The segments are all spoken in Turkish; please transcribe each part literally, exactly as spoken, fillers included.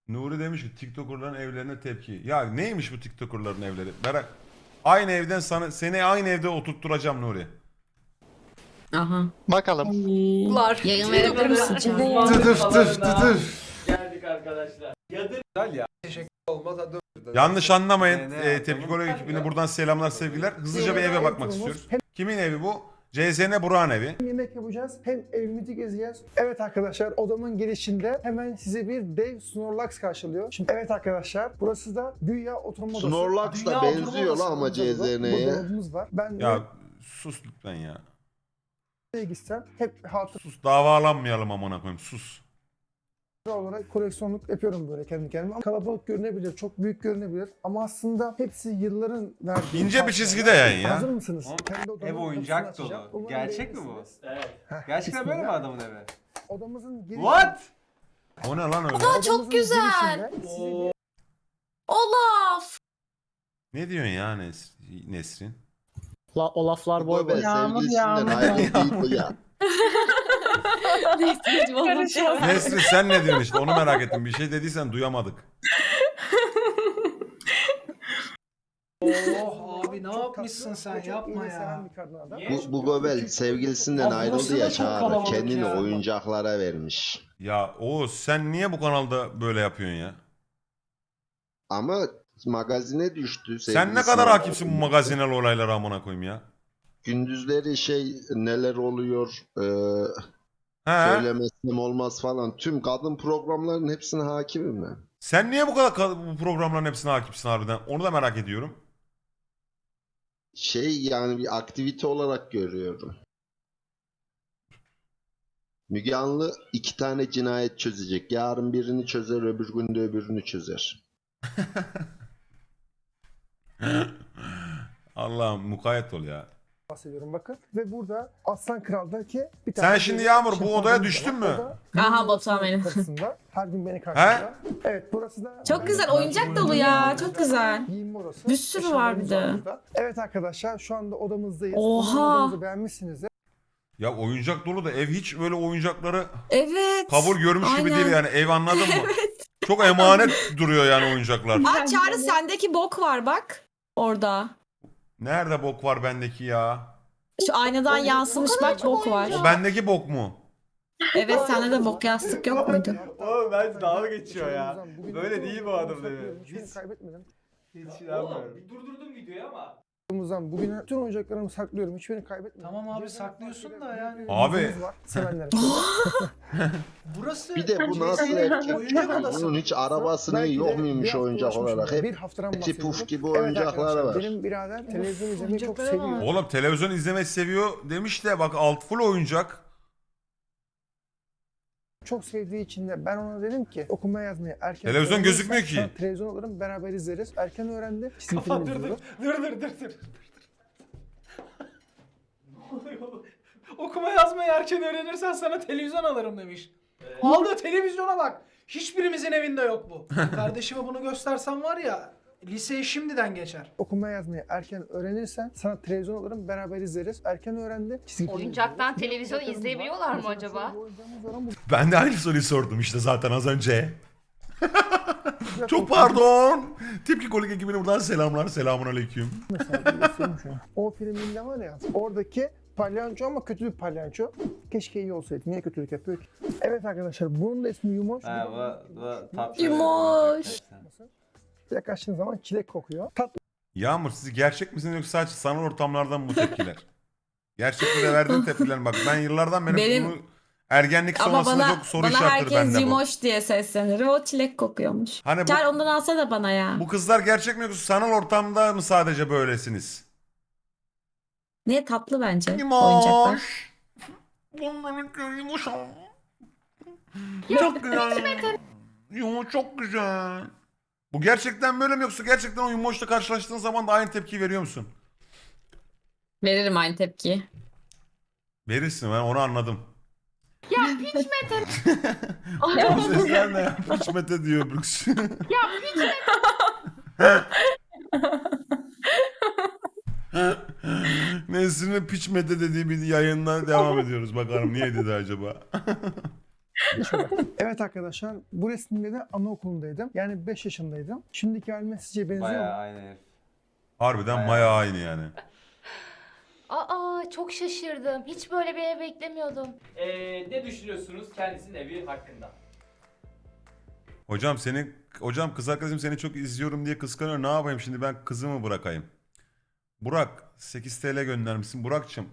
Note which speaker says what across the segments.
Speaker 1: Nuri demiş ki TikToker'ların evlerine tepki. Ya neymiş bu TikToker'ların evleri? Merak. Aynı evden sana seni aynı evde oturtturacağım Nuri.
Speaker 2: Aha.
Speaker 3: Bakalım.
Speaker 2: Lar. Yayın verebilir misin Can?
Speaker 4: Tıtıf tıf tıtıf.
Speaker 5: Geldik arkadaşlar. Yadır.
Speaker 4: Güzel ya. Teşekkür olmaz hadi.
Speaker 1: Yanlış anlamayın.
Speaker 4: Ne, ne
Speaker 1: E,
Speaker 4: yapalım?
Speaker 1: Tepki Kole ekibine buradan selamlar sevgiler. Hızlıca bir eve bakmak istiyoruz. Kimin evi bu? C Z N Burak'ın evi.
Speaker 6: Yemek yapacağız, hem evimizi gezeceğiz. Evet arkadaşlar, odamın girişinde hemen sizi bir dev Snorlax karşılıyor. Şimdi evet arkadaşlar, burası da güya oturma odası.
Speaker 3: Snorlax da
Speaker 6: Dünya
Speaker 3: benziyor
Speaker 6: oturma odası
Speaker 3: la ama
Speaker 6: olacak burada.
Speaker 3: C Z N'ye.
Speaker 6: Burada dolabımız var. Ben
Speaker 1: Ya sus lütfen ya.
Speaker 6: nereye gitsem hep hatıra
Speaker 1: Sus davalanmayalım amına koyayım sus.
Speaker 6: olarak koleksiyonluk yapıyorum böyle kendi kendime. Kalabalık görünebilir, çok büyük görünebilir ama aslında hepsi yılların verdiği...
Speaker 1: İnce bir çizgide yayın ya.
Speaker 6: Hazır mısınız?
Speaker 4: Oğlum,
Speaker 6: Kendi odamın
Speaker 4: ev oyuncak
Speaker 6: kapısını açacağım.
Speaker 4: dolu.
Speaker 6: Umarım
Speaker 4: Gerçek mi bu?
Speaker 6: beğenirsiniz.
Speaker 5: Evet.
Speaker 6: Heh,
Speaker 4: Gerçekten böyle mi
Speaker 6: bismillah.
Speaker 4: adamın evi?
Speaker 6: Odamızın girişinde...
Speaker 4: What?
Speaker 1: O ne lan öyle?
Speaker 2: Aa, çok
Speaker 6: odamızın
Speaker 2: güzel.
Speaker 6: girişinde size bir
Speaker 2: Olaf.
Speaker 1: Ne diyorsun ya Nes- Nesrin?
Speaker 7: La, o laflar boy
Speaker 3: Boy
Speaker 7: boy.
Speaker 3: be sevgilisinden ayrı değil bu ya.
Speaker 1: Nesrin sen ne diyorsun işte onu merak ettim. Bir şey dediysen duyamadık.
Speaker 8: Oh abi ne
Speaker 6: çok
Speaker 8: yapmışsın
Speaker 6: tatlı
Speaker 8: sen
Speaker 6: ve çok
Speaker 8: yapma
Speaker 6: iyilik seven
Speaker 8: ya.
Speaker 6: bir kadın adam.
Speaker 5: Niye?
Speaker 3: Bu, bu Gobel sevgilisinden
Speaker 8: Abi burası
Speaker 3: ayrıldı
Speaker 8: da
Speaker 3: ya
Speaker 8: çok
Speaker 3: Çağrı.
Speaker 8: kalabalık
Speaker 3: Kendini
Speaker 8: ya.
Speaker 3: oyuncaklara vermiş.
Speaker 1: Ya Oğuz sen niye bu kanalda böyle yapıyorsun ya?
Speaker 3: Ama magazine düştü.
Speaker 1: Sen ne
Speaker 3: sevgilisinden
Speaker 1: kadar hakimsin bu
Speaker 3: ayrıldı.
Speaker 1: magazinel olaylara amına koyayım ya?
Speaker 3: Gündüzleri şey neler oluyor e,
Speaker 1: He?
Speaker 3: söylemesem olmaz falan. Tüm kadın programların hepsine hakimim ben.
Speaker 1: Sen niye bu kadar ka- bu programların hepsine hakimsin harbiden? Onu da merak ediyorum.
Speaker 3: Şey yani bir aktivite olarak görüyorum. Müge Anlı iki tane cinayet çözecek. Yarın birini çözer, öbür gün de öbürünü çözer.
Speaker 1: Allah'ım mukayyet ol ya.
Speaker 6: bahsediyorum bakın. Ve burada Aslan Kral'daki bir
Speaker 1: Sen
Speaker 6: tane...
Speaker 1: şimdi
Speaker 6: böyle
Speaker 1: Yağmur, bu
Speaker 6: şempanzemiz
Speaker 1: odaya
Speaker 6: var.
Speaker 1: düştün mü?
Speaker 6: O da
Speaker 2: Aha, Batuhan benim.
Speaker 6: kapısında. Her gün beni karşılıyor. Evet burası da...
Speaker 2: Çok güzel oyuncak dolu ya. Çok güzel.
Speaker 6: Giyinme odası.
Speaker 2: Bir sürü var bir de.
Speaker 6: Eşyalarımız var burada. Evet arkadaşlar şu anda odamızdayız.
Speaker 2: Oha!
Speaker 6: Umarım odamızı beğenmişsinizdir.
Speaker 1: Ya oyuncak dolu da ev hiç böyle oyuncakları
Speaker 2: Evet.
Speaker 1: kabul görmüş gibi
Speaker 2: Aynen.
Speaker 1: değil yani. Ev anladın mı? Çok emanet duruyor yani oyuncaklar.
Speaker 2: Aa, Çağrı sendeki bok var bak. Orada.
Speaker 1: Nerede bok var bendeki ya?
Speaker 2: Şu aynadan yansımış bak bok var.
Speaker 1: O bendeki bok mu?
Speaker 2: Evet sende de bok yastık yok muydu?
Speaker 4: Oğlum ben dalga geçiyor ya.
Speaker 6: Bugün
Speaker 4: Böyle
Speaker 6: bütün
Speaker 4: değil bu adamın
Speaker 6: oyuncaklarımı
Speaker 4: evi.
Speaker 6: saklıyorum. Hiçbirini
Speaker 4: Hiç-
Speaker 6: kaybetmedim.
Speaker 4: Hiç şey
Speaker 5: Oğlum
Speaker 4: yapmıyorum.
Speaker 5: bir durdurdum videoyu ama.
Speaker 6: Odamızdan bugün bütün oyuncaklarımı saklıyorum. Hiçbirini kaybetmedim.
Speaker 8: Tamam abi,
Speaker 6: Cezayir
Speaker 8: saklıyorsun
Speaker 6: Partisi'de
Speaker 8: da yani.
Speaker 6: büyük bir
Speaker 1: Abi.
Speaker 6: yüzümüz var, sevenlere.
Speaker 8: Burası
Speaker 3: Bir de bu nasıl
Speaker 8: Oyuncak
Speaker 3: erkek?
Speaker 8: odası.
Speaker 3: Bunun hiç arabası ne
Speaker 6: Belki de
Speaker 3: yok
Speaker 6: bir
Speaker 3: muymuş
Speaker 6: hafta
Speaker 3: oyuncak
Speaker 6: uğraşmışımdır.
Speaker 3: olarak?
Speaker 6: Bir
Speaker 3: Hep
Speaker 6: haftadan
Speaker 3: eti
Speaker 6: bahsediyorum.
Speaker 3: puf gibi
Speaker 6: Evet
Speaker 3: oyuncakları
Speaker 6: arkadaşlar,
Speaker 3: var.
Speaker 6: Benim birader televizyon izlemeyi çok
Speaker 2: oyuncaklara
Speaker 6: seviyor.
Speaker 2: bak.
Speaker 1: Oğlum televizyon izlemeyi seviyor demiş de bak alt full oyuncak.
Speaker 6: Çok sevdiği için de ben ona dedim ki okuma yazmayı erken
Speaker 1: Televizyon
Speaker 6: öğrenirsen
Speaker 1: gözükmüyor ki.
Speaker 6: sana televizyon alırım beraber izleriz. Erken öğrendi. Çizgi film
Speaker 8: Kapat dur dur.
Speaker 6: izliyoruz.
Speaker 8: Dur dur dur dur. Okuma yazmayı erken öğrenirsen sana televizyon alırım demiş. Aldığı televizyona bak. Hiçbirimizin evinde yok bu. Kardeşime bunu göstersem var ya liseye şimdiden geçer.
Speaker 6: Okuma yazmayı erken öğrenirsen sana televizyon alırım beraber izleriz. Erken öğrendi. Çizgi film
Speaker 9: Oyuncaktan
Speaker 6: izliyoruz.
Speaker 9: televizyon
Speaker 6: Bir oyuncaklarımız
Speaker 9: izleyebiliyorlar
Speaker 6: var.
Speaker 9: mı
Speaker 6: Mesela
Speaker 9: acaba?
Speaker 6: şöyle bir oyuncağımız var ama bu
Speaker 1: Ben de aynı soruyu sordum işte zaten az önce.
Speaker 6: güzel
Speaker 1: Çok
Speaker 6: korkunç.
Speaker 1: pardon. Tepki Kolik ekibine buradan selamlar. Selamun aleyküm.
Speaker 6: Mesela bir göstereyim şunu. O filminde var ya oradaki palyanço ama kötü bir palyanço. Keşke iyi olsaydı. Niye kötülük yapıyor ki? Evet arkadaşlar bunun da ismi Yumoş.
Speaker 4: Ha bu, bu tatlı.
Speaker 2: Yumoş.
Speaker 6: Yaklaştığın zaman çilek kokuyor. Tatlı
Speaker 1: Yağmur siz gerçek misiniz yoksa sadece sanal ortamlardan mı bu tepkiler? Gerçekte verdiğin tepkiler bak ben yıllardan beri
Speaker 2: Benim-
Speaker 1: bunu ergenlik
Speaker 2: Ama
Speaker 1: sonrasında
Speaker 2: bana,
Speaker 1: çok soru
Speaker 2: bana
Speaker 1: işaretleri
Speaker 2: herkes
Speaker 1: bende bu.
Speaker 2: Yimoş diye seslenir. O çilek kokuyormuş.
Speaker 1: Hani bu,
Speaker 2: Çağrı ondan alsa da bana ya.
Speaker 1: bu kızlar gerçek mi yoksa sanal ortamda mı sadece böylesiniz?
Speaker 2: Niye tatlı bence oyuncaklar.
Speaker 1: Bunların yumuş. Çok güzel. Yumuş çok güzel. Bu gerçekten böyle mi yoksa gerçekten o yumuşla karşılaştığın zaman da aynı tepkiyi veriyor musun?
Speaker 2: Veririm aynı tepkiyi.
Speaker 1: Verirsin ben onu anladım.
Speaker 9: Ya piç Mete.
Speaker 1: Bu sesler ne ya? Piç Mete diyor Brooks.
Speaker 9: Ya piç Mete.
Speaker 1: Nesrin'in piç Mete dediği bir yayından devam ediyoruz. Bakalım niye dedi acaba?
Speaker 6: Şöyle. Evet arkadaşlar bu resimde de anaokulundaydım. Yani beş yaşındaydım. Şimdiki halime sizce benziyor mu?
Speaker 4: Bayağı aynı herif.
Speaker 1: Harbiden
Speaker 4: Bayağı.
Speaker 1: maya aynı yani.
Speaker 9: Aa çok şaşırdım. Hiç böyle bir ev beklemiyordum.
Speaker 5: Ee, ne düşünüyorsunuz kendisinin evi hakkında?
Speaker 1: Hocam seni hocam kız arkadaşım seni çok izliyorum diye kıskanıyor. Ne yapayım şimdi ben kızımı bırakayım? Burak sekiz T L göndermişsin. Burak'cığım.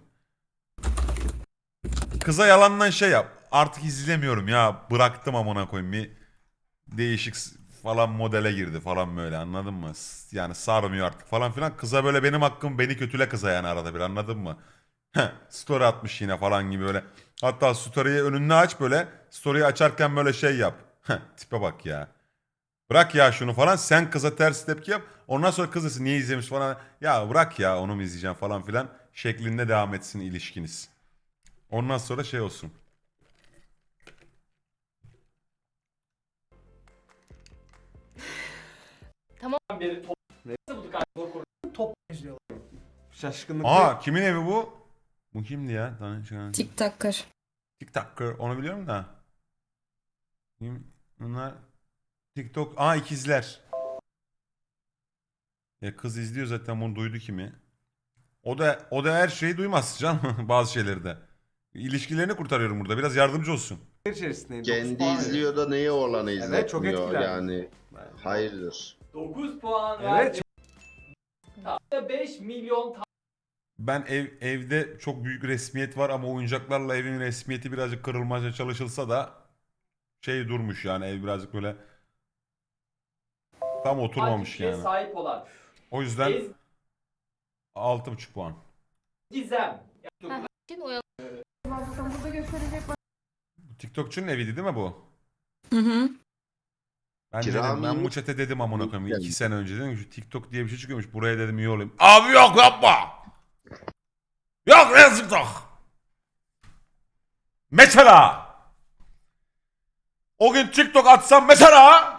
Speaker 1: Kıza yalandan şey yap. Artık izlemiyorum ya. Bıraktım amına koyayım. Bir değişik s- falan modele girdi falan böyle anladın mı? S- Yani sarmıyor artık falan filan. Kıza böyle benim hakkım beni kötüle kıza yani arada bir anladın mı? Heh, story atmış yine falan gibi böyle. Hatta story'yi önünü aç böyle. Story'yi açarken böyle şey yap. Heh, tipe bak ya. Bırak ya şunu falan. Sen kıza ters tepki yap. Ondan sonra kız desin niye izlemiş falan. Ya bırak ya onu mu izleyeceğim falan filan. Şeklinde devam etsin ilişkiniz. Ondan sonra şey olsun.
Speaker 5: Beri top... Nasıl bulduk abi?
Speaker 8: Top izliyorlar.
Speaker 4: Şaşkınlık.
Speaker 1: Aa kimin evi bu? Bu kimdi ya? Tanışan.
Speaker 2: TikToker.
Speaker 1: TikToker onu biliyorum da. Kim? Bunlar TikTok. Aa ikizler. Ya kız izliyor zaten bunu duydu kimi. O da o da her şeyi duymaz canım bazı şeyleri de. İlişkilerini kurtarıyorum burada. Biraz yardımcı olsun.
Speaker 4: içerisindeyim.
Speaker 3: Kendi izliyor da neye olanı
Speaker 4: Evet, çok
Speaker 3: izletmiyor
Speaker 4: etkilendim.
Speaker 3: yani. Hayırdır.
Speaker 5: dokuz puan
Speaker 4: Evet.
Speaker 5: verdi. Tam beş milyon ta-
Speaker 1: Ben ev evde çok büyük resmiyet var ama oyuncaklarla evin resmiyeti birazcık kırılmaya çalışılsa da şey durmuş yani ev birazcık böyle tam oturmamış
Speaker 5: takipçiye
Speaker 1: yani.
Speaker 5: sahip olan
Speaker 1: O yüzden
Speaker 5: Ez-
Speaker 1: altı buçuk puan.
Speaker 5: Gizem.
Speaker 9: Heh, Şimdi uyan.
Speaker 1: Bu TikTokçunun eviydi değil mi bu?
Speaker 2: Hı hı.
Speaker 1: Ben
Speaker 3: Kira
Speaker 1: dedim,
Speaker 3: mı
Speaker 1: ben
Speaker 3: yeni-
Speaker 1: bu çete dedim amına koyayım.
Speaker 3: Yani.
Speaker 1: iki sene önce dedim ki şu TikTok diye bir şey çıkıyormuş. Buraya dedim iyi olayım. Abi yok yapma. Yok ne TikTok. Mesela. O gün TikTok atsam mesela.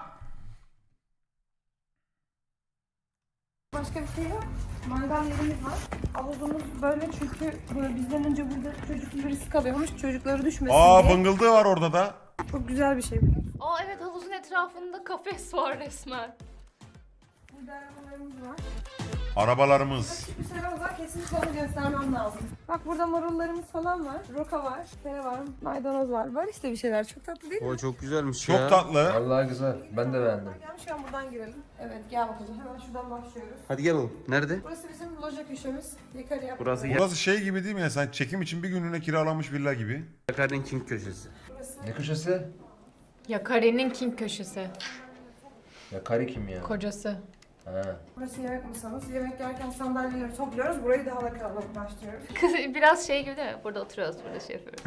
Speaker 10: Başka bir şey yok. Mangal yerimiz var. Havuzumuz böyle çünkü böyle bizden önce burada çocuk birisi kalıyormuş. Çocukları düşmesin
Speaker 1: Aa
Speaker 10: diye.
Speaker 1: bıngıldığı var orada da.
Speaker 10: Çok güzel bir şey.
Speaker 9: Aa evet havuzun etrafında kafes var resmen.
Speaker 10: Burada arabalarımız var.
Speaker 1: Arabalarımız.
Speaker 10: Bir şey var kesinlikle onu göstermem lazım. Bak burada marullarımız falan var. Roka var. Tere var. Maydanoz var. Var işte bir şeyler. Çok tatlı değil mi?
Speaker 4: O çok güzelmiş
Speaker 1: Çok tatlı.
Speaker 4: Vallahi güzel. Ben de beğendim.
Speaker 10: Gel şu an buradan girelim. Evet gel bakalım. Hemen şuradan başlıyoruz.
Speaker 4: Hadi gel oğlum. Nerede?
Speaker 10: Burası bizim loja köşemiz. Yukarı yap.
Speaker 4: Burası
Speaker 1: Burası şey gibi değil mi ya? Sen çekim için bir günlüğüne kiralanmış villa gibi.
Speaker 4: Yakar'ın King köşesi. Ne köşesi?
Speaker 9: Yakari'nin King köşesi.
Speaker 4: Yakari kim ya?
Speaker 9: Kocası.
Speaker 4: Ha.
Speaker 10: Burası yemek masamız. Yemek yerken sandalyeleri topluyoruz. Burayı daha da kalabalık başlıyoruz.
Speaker 9: Biraz şey gibi değil mi? Burada oturuyoruz, burada şey yapıyoruz.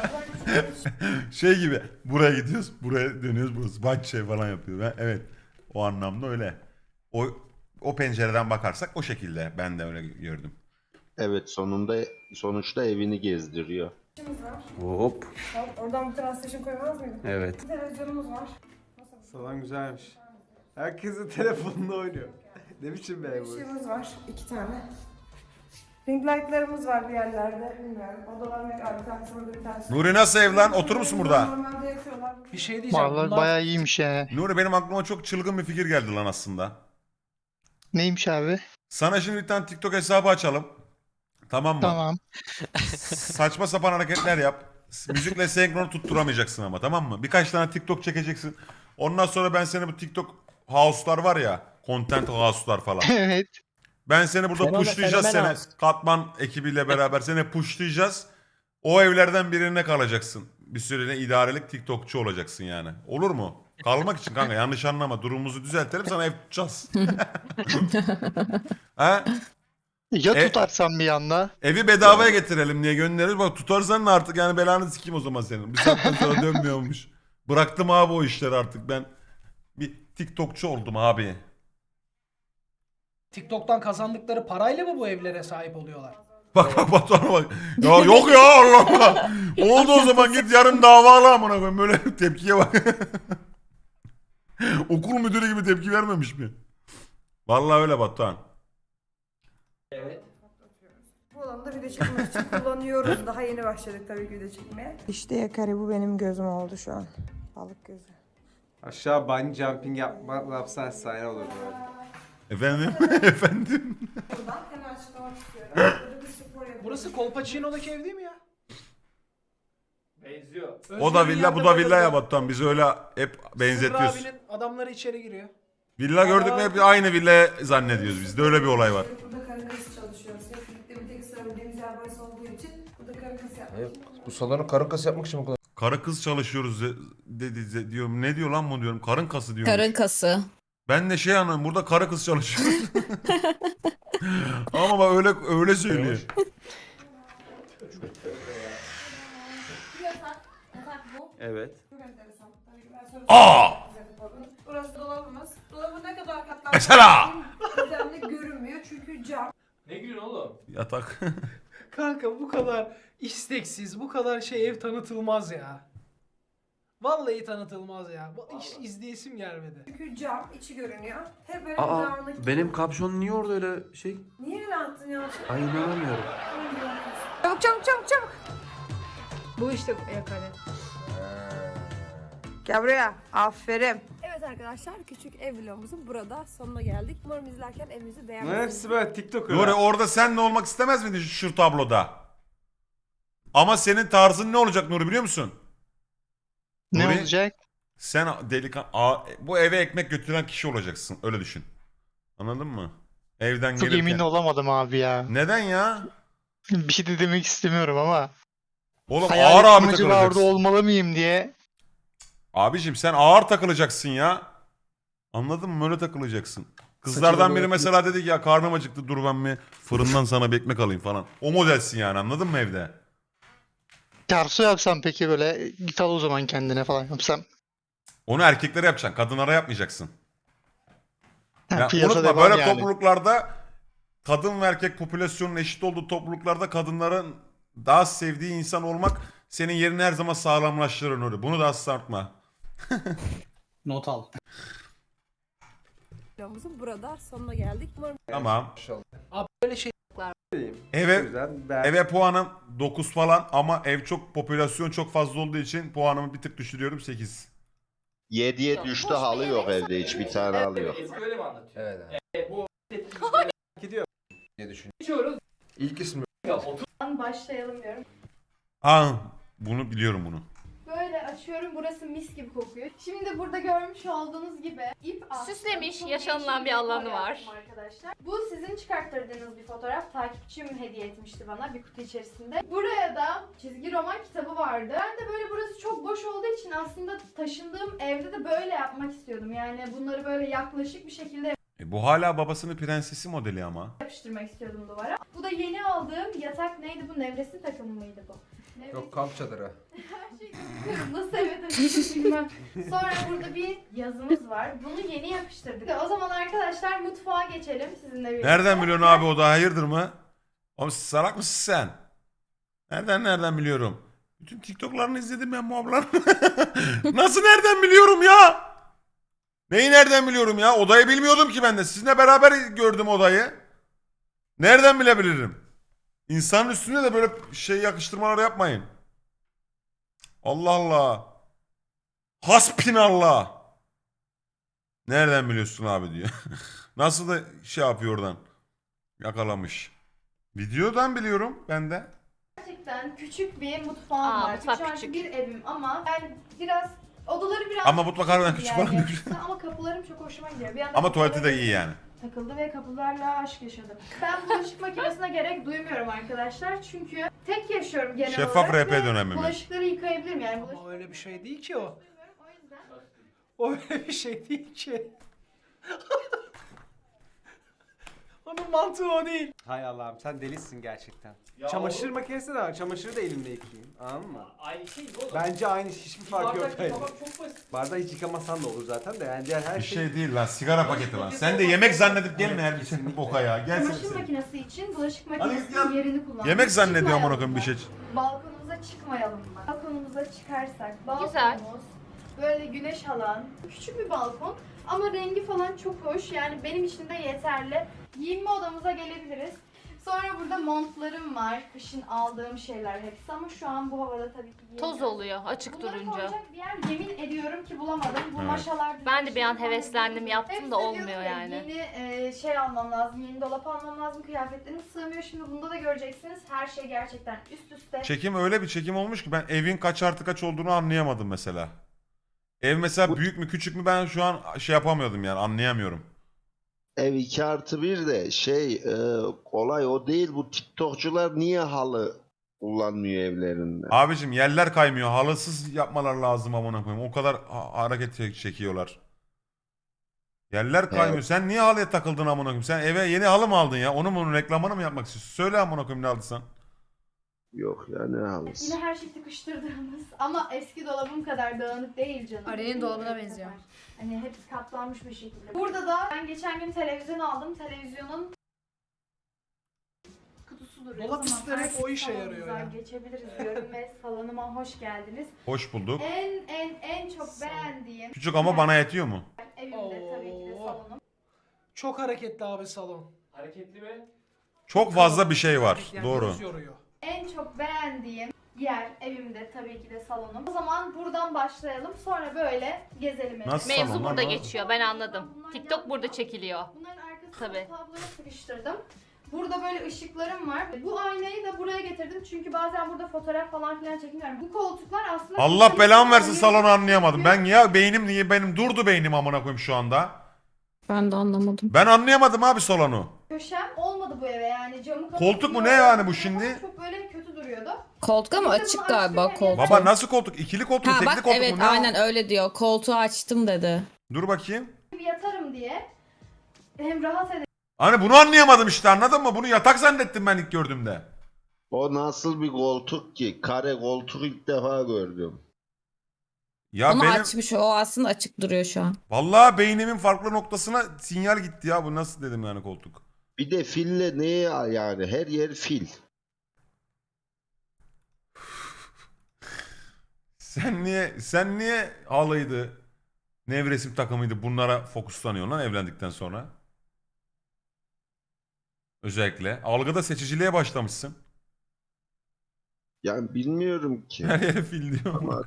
Speaker 1: Şey gibi. Buraya gidiyoruz. Buraya dönüyoruz. Burası bahçe falan yapıyor. Ben, evet. O anlamda öyle. O o pencereden bakarsak o şekilde. Ben de öyle gördüm.
Speaker 3: Evet sonunda sonuçta evini gezdiriyor.
Speaker 10: İşimiz var.
Speaker 4: Hop.
Speaker 10: Tamam, oradan bir translation koymaz mıydık?
Speaker 4: Evet.
Speaker 10: Bir televizyonumuz var.
Speaker 4: Salon güzelmiş. Herkesin telefonunda oynuyor. Ne biçim be bu?
Speaker 10: Işığımız var. iki tane. Ring light'larımız var bir yerlerde. Bilmiyorum. Odalar yok abi. Bir tanesi burada bir tanesi.
Speaker 1: Nuri nasıl ev lan? Oturur musun burada?
Speaker 10: Normalde yakıyorlar.
Speaker 8: Bir şey diyeceğim.
Speaker 7: Vallahi
Speaker 8: Bunlar
Speaker 7: bayağı iyiymiş ya.
Speaker 1: Nuri benim aklıma çok çılgın bir fikir geldi lan aslında.
Speaker 7: Neymiş abi?
Speaker 1: Sana şimdi bir tane TikTok hesabı açalım. Tamam mı?
Speaker 7: Tamam.
Speaker 1: Saçma sapan hareketler yap. Müzikle senkron tutturamayacaksın ama tamam mı? Birkaç tane TikTok çekeceksin. Ondan sonra ben seni bu TikTok house'lar var ya. Content house'lar falan.
Speaker 7: Evet.
Speaker 1: Ben seni burada
Speaker 7: Fenomen-
Speaker 1: pushlayacağız
Speaker 7: fenomen
Speaker 1: seni.
Speaker 7: house.
Speaker 1: Katman ekibiyle beraber seni pushlayacağız. O evlerden birine kalacaksın. Bir süreliğine idarelik TikTokçu olacaksın yani. Olur mu? Kalmak için kanka yanlış anlama. Durumumuzu düzeltelim sana ev tutacağız. ha?
Speaker 7: Ya
Speaker 1: E-
Speaker 7: tutarsam bir anda?
Speaker 1: Evi bedavaya getirelim diye göndeririz. Bak tutarsan da artık yani belanı sikeyim o zaman senin. Bir saatten sonra dönmüyormuş. Bıraktım abi o işleri artık ben. Bir TikTokçu oldum abi.
Speaker 8: TikTok'tan kazandıkları parayla mı bu evlere sahip oluyorlar?
Speaker 1: Bak bak Batuhan'a bak. Ya yok ya Allah Allah. Oldu o zaman git yarın davalı amına koyayım. Böyle tepkiye bak. Okul müdürü gibi tepki vermemiş mi? Vallahi öyle Batuhan.
Speaker 5: Evet.
Speaker 10: Bu salonda video çekmek için kullanıyoruz. Daha yeni başladık tabii ki video çekmeye. İşte yakari bu benim gözüm oldu şu an. Balık gözü.
Speaker 4: Aşağı bungee jumping yapma, yapsan efsane olur böyle.
Speaker 1: Efendim? Efendim?
Speaker 10: Buradan hemen açıklamak istiyorum. Burada bir spor yapıyoruz.
Speaker 8: Burası Kolpaçino'daki ev değil mi ya?
Speaker 5: Benziyor.
Speaker 1: O da
Speaker 8: Özgür'ün
Speaker 1: villa, bu
Speaker 8: yanında
Speaker 1: da
Speaker 8: böyle
Speaker 1: villa ya
Speaker 8: bir-
Speaker 1: Batuhan. Biz öyle hep
Speaker 8: Sırrı
Speaker 1: benzetiyoruz.
Speaker 8: abinin adamları içeri giriyor.
Speaker 1: Villa gördük mü hep aynı villa zannediyoruz. Bizde öyle bir olay var.
Speaker 10: Burada karın kası çalışıyoruz. Hep birlikte bir tek sırabildiğimiz yer burası olduğu için burada karın kası yapmak için.
Speaker 4: Bu salonu karın kası yapmak için bu kadar.
Speaker 1: Karı kız çalışıyoruz de- dedi de- diyorum. Ne diyor lan bu diyorum. Karın kası diyorum.
Speaker 2: Karın kası.
Speaker 1: Ben de şey anladım. Burada karı kız çalışıyoruz. Ama bak öyle öyle söylüyor.
Speaker 9: Yatak. Yatak bu.
Speaker 4: Evet.
Speaker 10: Çok enteresan. Tabii ki ben sonra
Speaker 1: Aa!
Speaker 10: Burası dolabımız. Dolabı ne kadar katlanmış
Speaker 1: Mesela!
Speaker 10: düzenli görünmüyor çünkü cam.
Speaker 5: Ne gülün oğlum?
Speaker 1: Yatak.
Speaker 8: Kanka bu kadar isteksiz, bu kadar şey ev tanıtılmaz ya. Vallahi tanıtılmaz ya. Bu hiç izleyesim gelmedi.
Speaker 10: Çünkü cam içi görünüyor. Hep böyle
Speaker 11: Aa,
Speaker 10: dağınık.
Speaker 11: benim kapşon niye orada öyle şey?
Speaker 10: Niye öyle attın ya?
Speaker 11: Ay inanamıyorum.
Speaker 10: Çabuk çabuk çabuk çabuk.
Speaker 9: Bu işte yakari.
Speaker 10: Gel buraya. Aferin. Evet arkadaşlar küçük ev vlogumuzun burada sonuna geldik. Umarım izlerken evimizi
Speaker 4: Bunların
Speaker 10: beğenmişsiniz.
Speaker 4: hepsi böyle TikTok
Speaker 1: Nuri orada sen ne olmak istemez miydin şu, şu tabloda? Ama senin tarzın ne olacak Nuri biliyor musun?
Speaker 7: Ne
Speaker 1: Nuri,
Speaker 7: olacak?
Speaker 1: Sen delikan Aa, bu eve ekmek götüren kişi olacaksın. Öyle düşün. Anladın mı? Evden
Speaker 7: Çok
Speaker 1: gelirken.
Speaker 7: emin olamadım abi ya.
Speaker 1: Neden ya?
Speaker 7: Bir şey de demek istemiyorum ama.
Speaker 1: Oğlum
Speaker 7: Hayal
Speaker 1: ağır abi
Speaker 7: ettim acaba orada
Speaker 1: takılacaksın.
Speaker 7: olmalı mıyım diye.
Speaker 1: Abicim sen ağır takılacaksın ya. Anladın mı? Öyle takılacaksın. Kızlardan biri mesela dedi ki ya karnım acıktı dur ben mi fırından sana bir ekmek alayım falan. O modelsin yani anladın mı evde?
Speaker 7: Terso yapsam peki böyle git al o zaman kendine falan yapsam.
Speaker 1: Onu erkeklere yapacaksın. Kadınlara yapmayacaksın.
Speaker 7: Ha,
Speaker 1: Ya
Speaker 7: piyasa
Speaker 1: unutma
Speaker 7: devam
Speaker 1: böyle
Speaker 7: yani.
Speaker 1: topluluklarda kadın ve erkek popülasyonun eşit olduğu topluluklarda kadınların daha sevdiği insan olmak senin yerini her zaman sağlamlaştırır öyle. Bunu da asla unutma.
Speaker 5: Not al.
Speaker 10: Vlogumuzun burada sonuna geldik. Umarım
Speaker 1: Tamam.
Speaker 8: Abi böyle şey
Speaker 1: Eve
Speaker 4: yüzden ben
Speaker 1: eve puanım dokuz falan ama ev çok popülasyon çok fazla olduğu için puanımı bir tık düşürüyorum sekiz.
Speaker 3: yediye düştü halı yok evde hiç bir tane halı yok.
Speaker 5: Ezgi öyle mi anlatıyor?
Speaker 4: Evet abi.
Speaker 5: Evet, bu
Speaker 4: gidiyor diye düşün.
Speaker 5: geçiyoruz.
Speaker 4: İlk ismi.
Speaker 5: Ya otur.
Speaker 9: Başlayalım diyorum.
Speaker 1: Aa bunu biliyorum bunu.
Speaker 9: Böyle açıyorum, burası mis gibi kokuyor. Şimdi burada görmüş olduğunuz gibi ip astım.
Speaker 2: Süslemiş,
Speaker 9: Çok
Speaker 2: yaşanılan
Speaker 9: değişik
Speaker 2: bir alanı
Speaker 9: dekor
Speaker 2: var.
Speaker 9: yaptım Arkadaşlar. Bu sizin çıkarttırdığınız bir fotoğraf. Takipçim hediye etmişti bana bir kutu içerisinde. Buraya da çizgi roman kitabı vardı. Ben de böyle burası çok boş olduğu için aslında taşındığım evde de böyle yapmak istiyordum. Yani bunları böyle yaklaşık bir şekilde
Speaker 1: E, bu hala babasının prensesi modeli ama.
Speaker 9: yapıştırmak istiyordum duvara. Bu da yeni aldığım yatak neydi bu? Nevresim takımı mıydı bu? Nevresim.
Speaker 4: Yok kamp çadırı.
Speaker 9: Her şeyi unutuyorum. Nasıl eve taşıdım bilmem. Sonra burada bir yazımız var. Bunu yeni yapıştırdık. O zaman arkadaşlar mutfağa geçelim sizinle birlikte.
Speaker 1: Nereden biliyorsun abi o da hayırdır mı? Oğlum salak mısın sen? Nereden nereden biliyorum? Bütün TikTok'larını izledim ben bu ablanın. Nasıl nereden biliyorum ya? Neyi nereden biliyorum ya? Odayı bilmiyordum ki ben de. Sizinle beraber gördüm odayı. Nereden bilebilirim? İnsanın üstüne de böyle şey yakıştırmalar yapmayın. Allah Allah. Hasbinallah. Nereden biliyorsun abi diyor. Nasıl da şey yapıyor oradan. Yakalamış. Videodan biliyorum ben de.
Speaker 9: Gerçekten küçük bir mutfağım
Speaker 2: Aa,
Speaker 9: var.
Speaker 2: mutfak
Speaker 9: Üç artı
Speaker 2: küçük.
Speaker 9: bir evim ama ben biraz odaları biraz
Speaker 1: Ama mutfak harbiden
Speaker 9: bir
Speaker 1: küçük
Speaker 9: yer
Speaker 1: falan diyor.
Speaker 9: yapısı Ama kapılarım çok hoşuma gidiyor. Bir yandan
Speaker 1: Ama tuvaleti de
Speaker 9: kapıları
Speaker 1: iyi yani.
Speaker 9: takıldı ve kapılarla aşk yaşadım. Ben bulaşık makinesine gerek duymuyorum arkadaşlar. Çünkü tek yaşıyorum genel
Speaker 1: Şeffaf
Speaker 9: olarak.
Speaker 1: R P
Speaker 9: ve
Speaker 1: dönemi mi?
Speaker 9: Bulaşıkları yıkayabilirim yani. Bulaşık
Speaker 8: ama öyle bir şey değil ki o.
Speaker 9: o yüzden
Speaker 8: O öyle bir şey değil ki. Onun mantığı o değil.
Speaker 4: Hay Allah'ım sen delisin gerçekten.
Speaker 5: Ya
Speaker 4: Çamaşır
Speaker 5: oğlum,
Speaker 4: makinesi de var. Çamaşırı da elimle yıkayayım. Anladın mı?
Speaker 5: Aynı şey mi oğlum?
Speaker 4: Bence aynı hiçbir fark yok.
Speaker 5: Bardak yıkamak çok basit.
Speaker 4: Bardağı hiç yıkamasan da olur zaten de yani diğer her
Speaker 1: Bir
Speaker 4: şey...
Speaker 1: şey değil lan sigara paketi lan. Sen de yemek zannedip gelme her bir şey boka ya. Gel
Speaker 9: çamaşır
Speaker 1: sen.
Speaker 9: makinesi için bulaşık
Speaker 1: Hadi
Speaker 9: makinesinin
Speaker 1: git ya.
Speaker 9: yerini kullandım.
Speaker 1: Yemek zannediyor amına
Speaker 9: Çıkmayalım
Speaker 1: koyayım bir
Speaker 9: mı?
Speaker 1: şey.
Speaker 9: Balkonumuza çıkmayalım mı? Balkonumuza çıkarsak, balkonumuz
Speaker 2: Güzel.
Speaker 9: böyle güneş alan, küçük bir balkon ama rengi falan çok hoş. Yani benim için de yeterli. Giyinme odamıza gelebiliriz. Sonra burada montlarım var. Kışın aldığım şeyler hepsi ama şu an bu havada tabii ki giyemiyorum.
Speaker 12: Toz oluyor açık
Speaker 9: Bunları
Speaker 12: durunca.
Speaker 9: koyacak bir yer yemin ediyorum ki bulamadım. Bu
Speaker 1: Evet.
Speaker 9: maşalar...
Speaker 12: Ben de bir an
Speaker 9: şey
Speaker 12: heveslendim, yaptım
Speaker 9: Hepsi
Speaker 12: da
Speaker 9: diyordum
Speaker 12: olmuyor
Speaker 9: ya,
Speaker 12: yani.
Speaker 9: Yeni e, şey almam lazım, yeni dolap almam lazım. Kıyafetlerim sığmıyor. Şimdi bunda da göreceksiniz. Her şey gerçekten üst üste.
Speaker 1: Çekim öyle bir çekim olmuş ki ben evin kaç artı kaç olduğunu anlayamadım mesela. Ev mesela büyük mü küçük mü ben şu an şey yapamıyordum yani anlayamıyorum.
Speaker 3: Ev iki artı bir de şey e, olay o değil, bu TikTokçular niye halı kullanmıyor evlerinde?
Speaker 1: Abicim yerler kaymıyor. Halısız yapmalar lazım amına koyayım. O kadar ha- hareket çek- çekiyorlar. Yerler kaymıyor.
Speaker 3: Evet.
Speaker 1: Sen niye halıya takıldın amına koyayım? Sen eve yeni halı mı aldın ya? Onu mu reklamını mı yapmak istiyorsun? Söyle amına koyayım ne aldıysan.
Speaker 3: Yok ya, ne halısı?
Speaker 9: Yine her şey tıkıştırdığımız ama eski dolabım kadar dağınık değil canım.
Speaker 10: Arenin dolabına benziyor.
Speaker 9: Hani hepsi katlanmış bir şekilde. Burada da ben geçen gün televizyon aldım. Televizyonun kutusu duruyor.
Speaker 8: Dolap
Speaker 9: Tamam,
Speaker 8: üstleri hep
Speaker 9: herkes
Speaker 8: o işe yarıyor
Speaker 9: salonumuza
Speaker 8: ya.
Speaker 9: Geçebiliriz diyorum ve salonuma hoş geldiniz.
Speaker 1: Hoş bulduk.
Speaker 9: En en en çok beğendiğim
Speaker 1: Küçük ama bana yetiyor mu?
Speaker 9: evimde tabii ki de
Speaker 8: Oo.
Speaker 9: salonum.
Speaker 8: Çok hareketli abi salon.
Speaker 5: Hareketli mi?
Speaker 1: Çok fazla bir şey var.
Speaker 8: Yani
Speaker 1: Doğru.
Speaker 8: göz yoruyor.
Speaker 9: En çok beğendiğim yer evimde tabii ki de salonum. O zaman buradan başlayalım. Sonra böyle gezelim. evi.
Speaker 1: Nasıl?
Speaker 12: Mevzu
Speaker 1: Salon
Speaker 12: burada
Speaker 1: ama-
Speaker 12: geçiyor ben anladım. TikTok burada çekiliyor.
Speaker 9: Bunların arkasına
Speaker 12: Tabii.
Speaker 9: tabloya sıkıştırdım. Burada böyle ışıklarım var. Bu aynayı da buraya getirdim çünkü bazen burada fotoğraf falan filan çekiniyorum. Bu koltuklar aslında...
Speaker 1: Allah belamı versin salonu anlayamadım. Ben ya beynim niye benim durdu beynim amına koyayım şu anda.
Speaker 2: Ben de anlamadım.
Speaker 1: Ben anlayamadım abi salonu.
Speaker 9: Köşem olmadı bu eve yani camı
Speaker 1: Koltuk mu ne
Speaker 9: kapatıyor.
Speaker 1: yani bu şimdi?
Speaker 9: Çok böyle kötü duruyordu.
Speaker 2: Koltuk ama
Speaker 9: Bir de
Speaker 2: açık
Speaker 9: bunu
Speaker 2: galiba
Speaker 9: açtık,
Speaker 2: koltuk.
Speaker 1: Baba nasıl koltuk? İkili koltuk mu?
Speaker 2: Ha
Speaker 1: Tekli
Speaker 2: bak
Speaker 1: koltuk
Speaker 2: evet
Speaker 1: mu? Ne o?
Speaker 2: aynen öyle diyor. Koltuğu açtım dedi.
Speaker 1: Dur bakayım.
Speaker 9: Bir yatarım diye. Hem rahat ederim
Speaker 1: Hani bunu anlayamadım işte anladın mı? Bunu yatak zannettim ben ilk gördüğümde.
Speaker 3: O nasıl bir koltuk ki? Kare koltuk ilk defa gördüm.
Speaker 1: Ya
Speaker 2: Onu
Speaker 1: benim
Speaker 2: açmış o aslında açık duruyor şu an.
Speaker 1: vallahi beynimin farklı noktasına sinyal gitti ya. Bu nasıl dedim yani koltuk.
Speaker 3: Bir de fille neye yani? Her yer fil.
Speaker 1: Sen niye sen niye halıydı, nevresim takımıydı bunlara fokuslanıyorsun lan evlendikten sonra? Özellikle. Algıda seçiciliğe başlamışsın.
Speaker 3: Yani bilmiyorum ki.
Speaker 1: Her yere fil diyor.
Speaker 3: Ama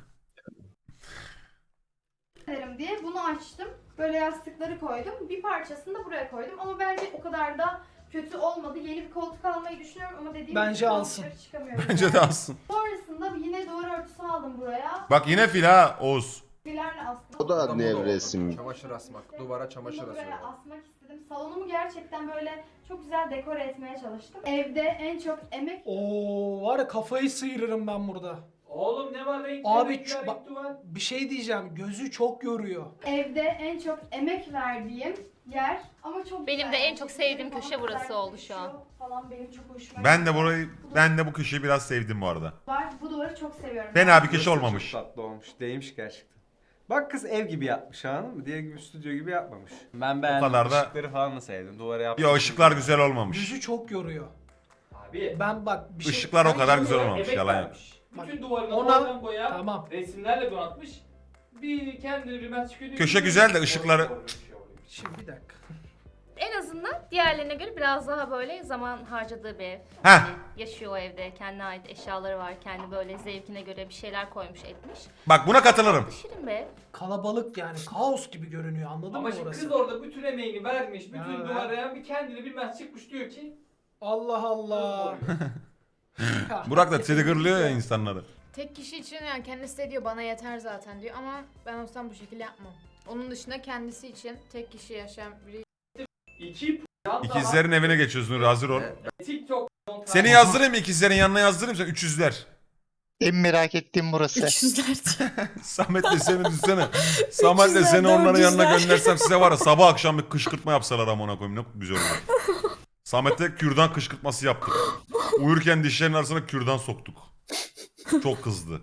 Speaker 9: diye bunu açtım. Böyle yastıkları koydum. Bir parçasını da buraya koydum ama bence o kadar da kötü olmadı. Yeni bir koltuk almayı düşünüyorum ama dediğim
Speaker 8: Bence
Speaker 9: gibi şu an
Speaker 8: alsın.
Speaker 9: dışarı çıkamıyorum.
Speaker 1: Bence de alsın.
Speaker 9: Sonrasında yine duvar örtüsü aldım buraya.
Speaker 1: Bak yine fil ha Oğuz.
Speaker 9: Filerle aslında.
Speaker 3: o da nevresim.
Speaker 11: Çamaşır asmak. Duvara çamaşır
Speaker 9: Bunu buraya
Speaker 11: asıyorlar.
Speaker 9: asmak istedim. Salonumu gerçekten böyle çok güzel dekore etmeye çalıştım. Evde en çok emek
Speaker 8: Oo var ya kafayı sıyırırım ben burada.
Speaker 5: Oğlum ne var renkli
Speaker 8: Abi
Speaker 5: renkli,
Speaker 8: şu-
Speaker 5: renkli
Speaker 8: bak-
Speaker 5: duvar.
Speaker 8: Bir şey diyeceğim. Gözü çok yoruyor.
Speaker 9: evde en çok emek verdiğim yer ama çok
Speaker 12: Benim
Speaker 9: güzel.
Speaker 12: de en çok sevdiğim
Speaker 9: Falan
Speaker 12: köşe burası
Speaker 9: güzel
Speaker 12: oldu şu an.
Speaker 9: yakışıyor Falan benim çok hoşuma
Speaker 1: Ben de
Speaker 9: gitti.
Speaker 1: burayı ben de bu köşeyi biraz sevdim bu arada.
Speaker 9: Var. Bu duvarı çok seviyorum.
Speaker 1: Fena bir köşe olmamış.
Speaker 4: Çok tatlı olmuş. Değmiş gerçekten. Bak kız ev gibi yapmış anladın mı? Diğer gibi stüdyo gibi yapmamış. Ben beğendim.
Speaker 1: kadar da-
Speaker 4: Işıkları falan da sevdim. Duvara yaptım.
Speaker 1: Yo ışıklar güzel olmamış.
Speaker 8: Gözü çok yoruyor.
Speaker 5: Abi.
Speaker 8: Ben bak bir şey...
Speaker 1: Işıklar o
Speaker 8: Ben
Speaker 1: kadar
Speaker 8: yemin
Speaker 1: güzel
Speaker 8: ederim-
Speaker 1: olmamış.
Speaker 5: emek
Speaker 1: Yalan yok.
Speaker 5: vermiş.
Speaker 8: Bak,
Speaker 5: Bütün duvarına
Speaker 8: ona-
Speaker 5: boyadan boya
Speaker 8: Tamam.
Speaker 5: resimlerle donatmış. Bir kendini bilmez çıkıyor.
Speaker 1: Köşe güzel de ışıkları-
Speaker 8: Şimdi bir dakika.
Speaker 12: En azından diğerlerine göre biraz daha böyle zaman harcadığı bir ev.
Speaker 1: Heh.
Speaker 12: Yani yaşıyor o evde. Kendine ait eşyaları var. Kendi böyle zevkine göre bir şeyler koymuş etmiş.
Speaker 1: Bak buna katılırım.
Speaker 12: Şirin be.
Speaker 8: Kalabalık yani kaos gibi görünüyor anladın
Speaker 5: Ama
Speaker 8: mı
Speaker 5: şimdi
Speaker 8: orası?
Speaker 5: kız orada bütün emeğini vermiş. Bütün
Speaker 8: Ya.
Speaker 5: duvara bir kendini bilmez çıkmış diyor ki.
Speaker 8: Allah Allah. Ya,
Speaker 1: Burak da triggerlıyor ya insanları.
Speaker 10: Tek kişi için yani kendisi de diyor bana yeter zaten diyor ama ben olsam bu şekilde yapmam. Onun dışında kendisi için tek kişi yaşayan biri.
Speaker 5: İki yan
Speaker 1: İkizlerin evine geçiyorsun hazır ol.
Speaker 5: TikTok.
Speaker 1: Seni yazdırayım mı ikizlerin yanına yazdırayım sen üç yüzler.
Speaker 7: En merak ettiğim burası.
Speaker 2: üç yüzler diyor.
Speaker 1: Samet'le seni düşsene. Samet'le
Speaker 2: yüzler,
Speaker 1: seni onların
Speaker 2: dört
Speaker 1: yanına
Speaker 2: yüzler.
Speaker 1: göndersem size var ya sabah akşam bir kışkırtma yapsalar amına koyayım ne güzel olur. Samet'le kürdan kışkırtması yaptık. Uyurken dişlerinin arasına kürdan soktuk. Çok kızdı.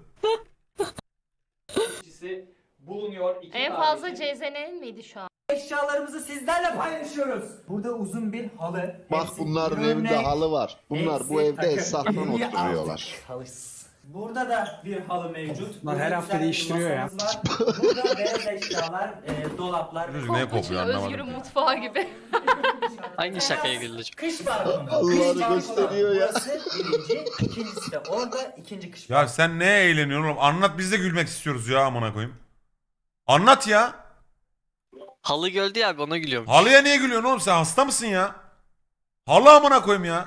Speaker 5: kişisi bulunuyor. İki
Speaker 12: En fazla
Speaker 5: kardeşin.
Speaker 12: C Z N'nin miydi şu an?
Speaker 5: Eşyalarımızı sizlerle paylaşıyoruz. Burada uzun bir halı.
Speaker 3: Bak bunların evinde halı var. Bunlar bu evde esnafla oturuyorlar.
Speaker 5: Burada da bir halı mevcut.
Speaker 8: Lan her hafta değiştiriyor ya.
Speaker 5: Burada beyaz eşyalar, e, dolaplar.
Speaker 1: Çocuk neye kopuyor anlamadım.
Speaker 12: Özgür'ün mutfağı gibi.
Speaker 7: Hangi şakaya güldü?
Speaker 5: Kış balkonu.
Speaker 3: Allah'ını
Speaker 5: Kış balkonu.
Speaker 3: gösteriyor ya.
Speaker 5: Burası birinci, ikincisi de orada ikinci kış
Speaker 1: Ya sen neye eğleniyorsun oğlum? Anlat, biz de gülmek istiyoruz ya amına koyayım. Anlat ya.
Speaker 7: Halı gördü ya abi ona gülüyorum.
Speaker 1: Halıya niye gülüyorsun oğlum, sen hasta mısın ya? Halı amına koyayım ya.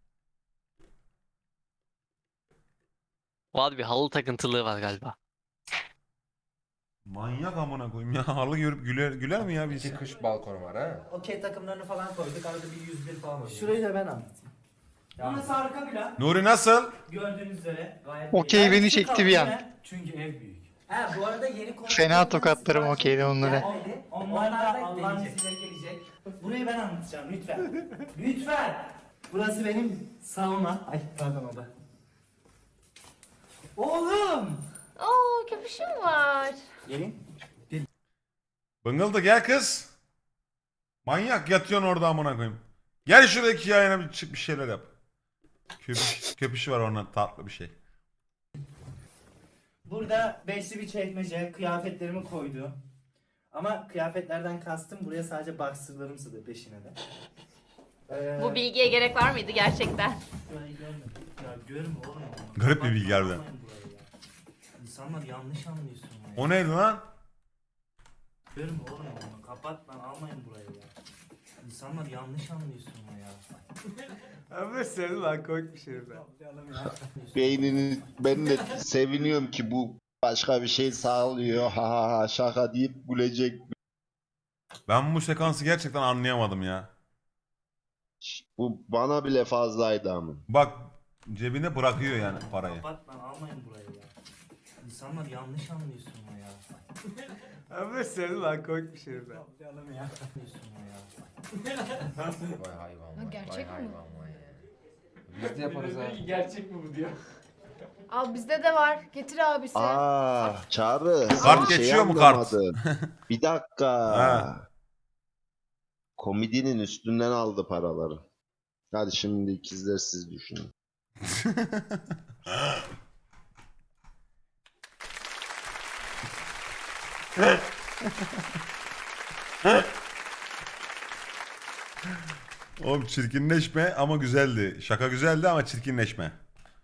Speaker 7: Var bir halı takıntılığı var galiba.
Speaker 1: Manyak amına koyayım ya. Halı görüp güler, güler mi ya biz?
Speaker 11: Kış balkonu var ha.
Speaker 5: Okey takımlarını falan koyduk. Arada bir yüz bir falan oynuyoruz. Şurayı da ben anlatayım. Burası arka plan.
Speaker 1: Nuri nasıl?
Speaker 5: Gördüğünüz üzere gayet
Speaker 7: Okey,
Speaker 5: iyi.
Speaker 7: beni
Speaker 5: Yani
Speaker 7: çekti
Speaker 5: şu
Speaker 7: bir an.
Speaker 5: kaldı. Çünkü ev büyük. Ha bu arada yeni konu.
Speaker 7: Fena tokatlarım okeydi onları.
Speaker 5: Onlar da Allah'ın izniyle gelecek. Burayı ben anlatacağım lütfen. Lütfen. Burası benim sauna. Ay pardon o da. Oğlum.
Speaker 12: Oo köpüşüm var.
Speaker 5: Gelin.
Speaker 1: Bıngıldı gel kız. Manyak yatıyorsun orada amına koyayım. Gel şuradaki yayına bir çık bir şeyler yap. Köpüş, köpüşü var ondan tatlı bir şey.
Speaker 5: Burada beşli bir çekmece, kıyafetlerimi koydu. Ama kıyafetlerden kastım buraya sadece boxer'larım sığdı peşine de. Ee,
Speaker 12: Bu bilgiye gerek var mıydı gerçekten?
Speaker 5: Burayı görmedim. Ya görme oğlum.
Speaker 1: Garip bir bilgi harbiden.
Speaker 5: Almayın burayı ya. İnsanlar yanlış anlıyorsun ya.
Speaker 1: O neydi lan?
Speaker 5: Görme oğlum onu. Kapat lan almayın burayı ya. İnsanlar yanlış anlıyorsun ya.
Speaker 4: Abi sen lan komik bir şey ben.
Speaker 3: Beynini ben de seviniyorum ki bu başka bir şey sağlıyor. Ha ha ha şaka deyip gülecek.
Speaker 1: Ben bu sekansı gerçekten anlayamadım ya.
Speaker 3: Bu bana bile fazlaydı ama.
Speaker 1: Bak cebine bırakıyor yani parayı.
Speaker 5: Kapat lan almayın burayı ya. İnsanlar yanlış anlıyorsun ya.
Speaker 4: Abi sen lan komik bir şey ben.
Speaker 5: Anlıyorsun ya.
Speaker 11: Vay hayvan vay.
Speaker 12: Gerçek
Speaker 11: vay
Speaker 12: mi?
Speaker 11: hayvan vay ya. Biz de yaparız ha.
Speaker 5: Gerçek mi bu diyor.
Speaker 10: Al bizde de var. Getir abisi.
Speaker 3: Aa Çağrı.
Speaker 1: Kart
Speaker 3: sen
Speaker 1: geçiyor mu kart?
Speaker 3: anlamadın. Bir dakika.
Speaker 1: Ha.
Speaker 3: Komedinin üstünden aldı paraları. Hadi şimdi ikizler siz düşünün.
Speaker 1: Oğlum çirkinleşme ama güzeldi. Şaka güzeldi ama çirkinleşme.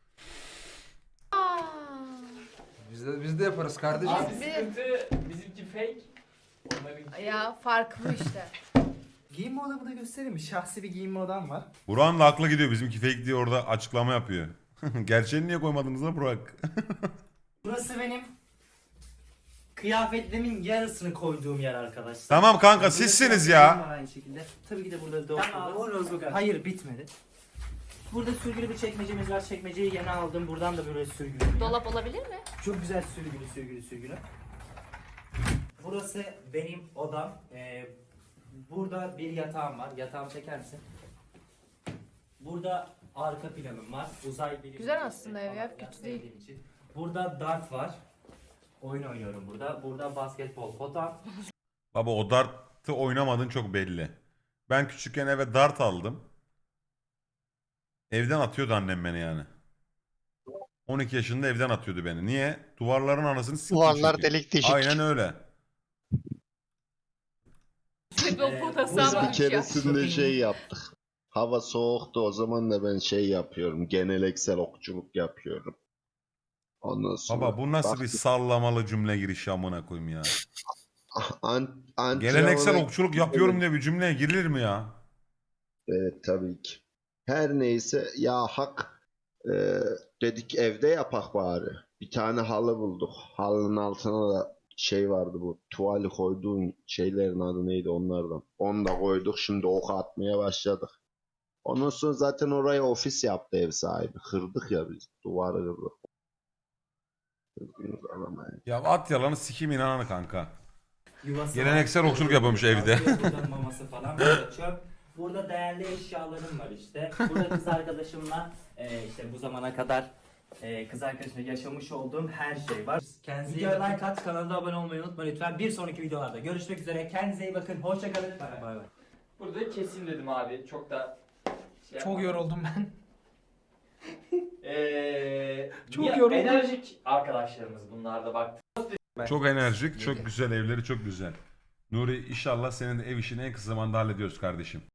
Speaker 11: Biz de, biz de yaparız kardeşim.
Speaker 5: Abi sıkıntı bizimki fake. Onların...
Speaker 10: Ya fark bu işte.
Speaker 5: Giyinme odamı da göstereyim mi? Şahsi bir giyinme odam var.
Speaker 1: Burak'ın da aklı gidiyor. Bizimki fake diye orada açıklama yapıyor. Gerçeğini niye koymadınız lan Burak?
Speaker 5: Burası benim kıyafetlerimin yarısını koyduğum yer arkadaşlar.
Speaker 1: Tamam kanka
Speaker 5: Burada
Speaker 1: sizsiniz
Speaker 5: kıyafetlerim
Speaker 1: ya.
Speaker 5: var Aynı şekilde. Tabii ki de burada dört tamam, hayır bitmedi. Burada sürgülü bir çekmecemiz var. Çekmeceyi yeni aldım. Buradan da böyle sürgülü.
Speaker 12: Dolap olabilir mi?
Speaker 5: Çok güzel sürgülü sürgülü sürgülü. Burası benim odam. Ee, burada bir yatağım var. Yatağımı çeker misin? Burada arka planım var. Uzay bilimi.
Speaker 10: Güzel aslında ev ya, kötü değil.
Speaker 5: sevdiğim için. Burada dart var. Oyun oynuyorum burada. Burada basketbol potam.
Speaker 1: Baba o dartı oynamadığın çok belli. Ben küçükken eve dart aldım. Evden atıyordu annem beni yani. on iki yaşında evden atıyordu beni. Niye? Duvarların anasını siktim
Speaker 7: Duvarlar
Speaker 1: çünkü.
Speaker 7: delik deşik.
Speaker 1: Aynen öyle.
Speaker 12: Futbol potası
Speaker 3: Biz
Speaker 12: ama
Speaker 3: bir
Speaker 12: üç yaş.
Speaker 3: keresinde şey yaptık. Hava soğuktu o zaman da ben şey yapıyorum. Geleneksel okçuluk yapıyorum. Ondan sonra
Speaker 1: Baba bu nasıl bir
Speaker 3: baktık,
Speaker 1: sallamalı cümle girişi amına koyayım ya.
Speaker 3: an, antrenmana-
Speaker 1: Geleneksel okçuluk yapıyorum diye bir cümleye girilir mi ya?
Speaker 3: Evet tabii ki. Her neyse ya hak e, dedik evde yapak bari. Bir tane halı bulduk. Halının altına da şey vardı bu tuvali koyduğun şeylerin adı neydi onlardan. Onu da koyduk şimdi ok atmaya başladık. Ondan sonra zaten oraya ofis yaptı ev sahibi. Kırdık ya biz. Duvarı kırdık. Kırdığımız alamayız.
Speaker 1: Ya at yalanı sikim inananı kanka.
Speaker 5: Yuvası
Speaker 1: Geleneksel
Speaker 5: var.
Speaker 1: okçuluk yapıyormuş evde.
Speaker 5: Burada maması falan. Burada çöp. Burada değerli eşyalarım var işte. Burada kız arkadaşımla e, işte bu zamana kadar e, kız arkadaşımla yaşamış olduğum her şey var. Kendinize iyi bakın. Like at, kanalda abone olmayı unutmayın lütfen. Bir sonraki videolarda görüşmek üzere. Kendinize iyi bakın. Hoşça kalın. Bay bay.
Speaker 13: Burada kesin dedim abi. Çok da şey
Speaker 8: Çok yoruldum ben.
Speaker 13: Eee
Speaker 8: Çok
Speaker 13: Ya,
Speaker 8: yoruldum.
Speaker 13: enerjik arkadaşlarımız bunlar da bak.
Speaker 1: Çok enerjik, çok güzel evleri çok güzel. Nuri inşallah senin de ev işini en kısa zamanda hallediyoruz kardeşim.